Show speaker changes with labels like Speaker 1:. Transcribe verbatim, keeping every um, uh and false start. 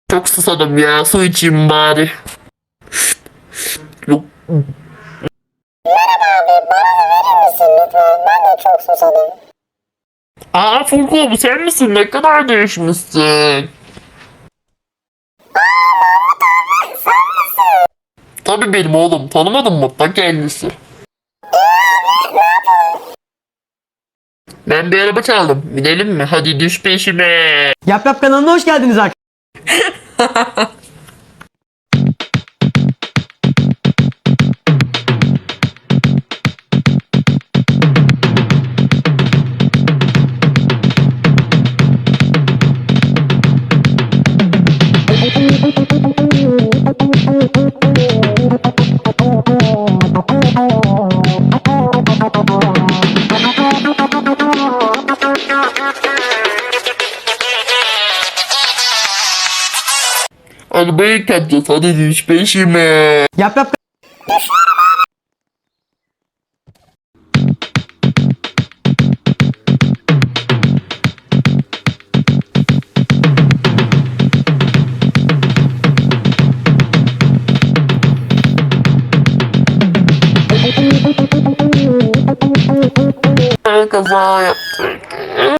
Speaker 1: Çok susadım ya. Su içeyim bari. Yok.
Speaker 2: Merhaba abi, bana da verir misin lütfen? Ben de çok susadım.
Speaker 1: Aa Furko, bu sen misin? Ne kadar değişmişsin. Tabii benim oğlum. Tanımadın mı? Ta kendisi. Ben bir araba çaldım. Binelim mi? Hadi düş peşime.
Speaker 3: Yap Yap kanalına hoş geldiniz arkadaşlar.
Speaker 1: Arabayı yıkatacağız. Hadi düş peşime.
Speaker 3: Yap Yap
Speaker 1: Ben kaza yaptım.